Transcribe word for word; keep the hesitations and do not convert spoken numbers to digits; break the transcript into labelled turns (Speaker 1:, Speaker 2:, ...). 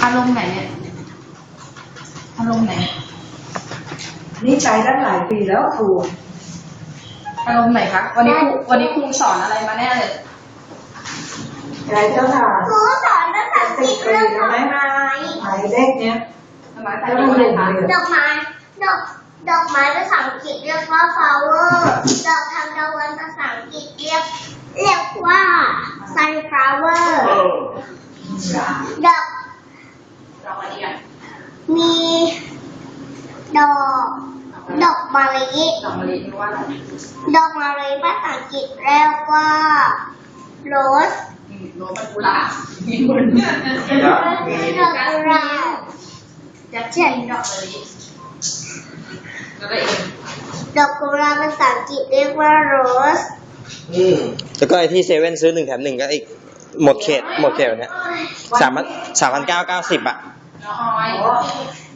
Speaker 1: อารมณ์ไหนเนี่ยอารมณ์ไหน
Speaker 2: นี่ใช้ตั้งหลายปีแล้วครู
Speaker 1: อารมณ์ไหนคะวันนี้ครูวันนี้ครูสอนอะไรมาแน่เลย
Speaker 2: ใช้เจ้าค่ะ
Speaker 3: ครูสอนภาษาอังกฤษเรื่องดอกไม้
Speaker 2: หมายเลขเนี้ย
Speaker 1: ดอกไม้ภาษาอังกฤษอะไรคะ
Speaker 3: ดอกไม้ดอกดอกไม้ภาษาอังกฤษเรียกว่า flower ดอกทานตะวันภาษาอังกฤษเรียกเรียกว่า sunflower ดอก
Speaker 1: ดอกอะไรกัน
Speaker 3: มีดอกดอกมะลิ
Speaker 1: ดอกมะลิเรียกว่าอะไร
Speaker 3: ดอกมะลิภาษาอังกฤษเรียกว่า rose
Speaker 1: โรสมันกุหลาบมีคน
Speaker 3: ดอกกุหลาบ
Speaker 1: ยักษ์เช่นดอกมะลิแล้วก็เอง
Speaker 3: ดอกกุหลาบภาษาอังกฤษเรียกว่า rose
Speaker 4: อืมแล้วก็ไอที่เซเว่นซื้อหนึ่งแถมหนึ่งก็อีกหมดเขตหมดเขตแบบเนี้ยสามพันสามพันเก้าเก้าสิบอ่ะ
Speaker 1: น้องออย